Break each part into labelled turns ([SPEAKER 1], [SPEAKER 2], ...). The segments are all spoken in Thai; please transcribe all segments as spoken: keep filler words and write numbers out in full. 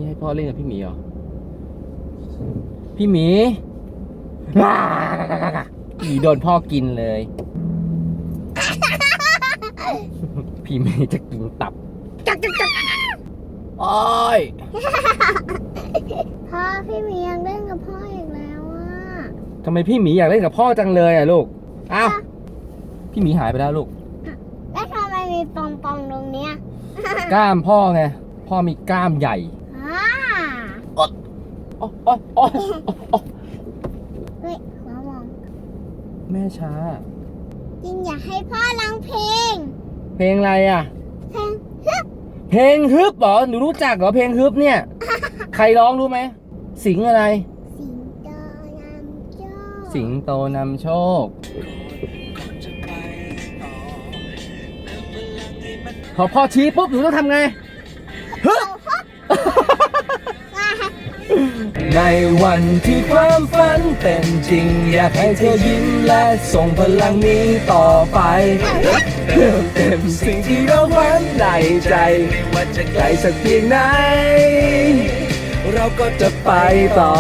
[SPEAKER 1] ให้พ่อเล่นกับพี่หมีเหรอพี่หมีพี่หมีโดนพ่อกินเลยพี่หมีจะกินตับโอ้ย
[SPEAKER 2] พ่อพี่หมียังเล่นกับพ่ออีกแล้วอ่ะ
[SPEAKER 1] ทำไมพี่หมีอยากเล่นกับพ่อจังเลยอ่ะลูกอ้าวพี่หมีหายไปแล้วลูก
[SPEAKER 2] แล้วทำไมมีปองปองตรงเนี้ย
[SPEAKER 1] กล้ามพ่อไงพ่อมีกล้ามใหญ่
[SPEAKER 2] อ่า
[SPEAKER 1] โอ๊ยโอ๊ยโอ๊ยโอ๊ยโอ๊ย
[SPEAKER 2] เฮ้ยหัวมอง
[SPEAKER 1] แม่ช้า
[SPEAKER 2] จริงอยากให้พ่อร้องเพลง
[SPEAKER 1] เพลงอะไรอ่ะ
[SPEAKER 2] เพลงฮึบ
[SPEAKER 1] เพลงฮึบเหรอหนูรู้จักเหรอเพลงฮึบเนี่ยใครร้องรู้ไหมสิงอะไร
[SPEAKER 2] สิงโตนำโชค
[SPEAKER 1] สิงโตนำโชคพอพ่อชี้ปุ๊บหนูต้องทำไงฮึบในวันที่ความฝันเป็นจริงอยากให้เธอยิ้มและส่งพลังนี้ต่อไปเติมเต็มสิ่งที่เราหวังในใจไม่ว่าจะไกลสักเพียงไหนเราก็จะไปต่อ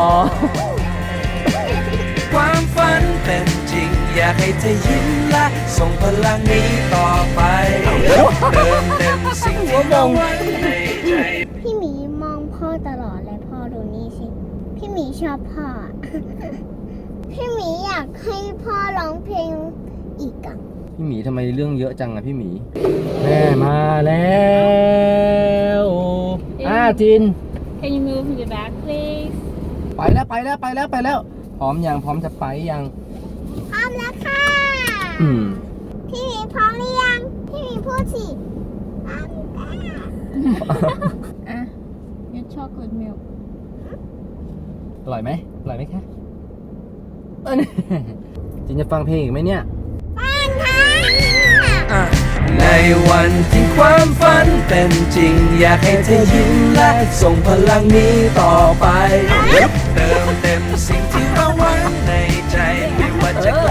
[SPEAKER 1] ความฝันเป็นจริงอยากให้เธอยิ้มและส่งพลังนี้ต่อไปเติมเต็มสิ่งที่เราหวังในใจ
[SPEAKER 2] พี่หมีมองพ่อตลอดเลยพ่อดูนี่สิพี่หมีชอบพ่อ พี่หมีอยากให้พ่อร้องเพลงอีกอ่ะ
[SPEAKER 1] พี่หมีทำไมเรื่องเยอะจังอะพี่หมีแม่มาแล้วอ่าจิน
[SPEAKER 3] Can you move to the back please
[SPEAKER 1] ไปแล้วไปแล้วไปแล้วไปแล้วพร้อมยังพร้อมจะไปยัง
[SPEAKER 2] พร้อมแล้วค่ะ
[SPEAKER 1] อืม
[SPEAKER 2] พี่หมีพร้อมหรือยังพี่หมีพูดสิพร้อมค่ะ
[SPEAKER 3] อ่ะ Your chocolate milk
[SPEAKER 1] อร่อยไหมอร่อยไหมคะเออจินจะฟังเพลงอีกไหมเนี่ย
[SPEAKER 2] ฟังค่ะ
[SPEAKER 1] ในวันที่ความฝันเป็นจริงอยากให้เธอยิ้มและส่งพลังนี้ต่อไปเติมเต็มสิ่งที่เราหวังในใจไม่ว่าจะไกล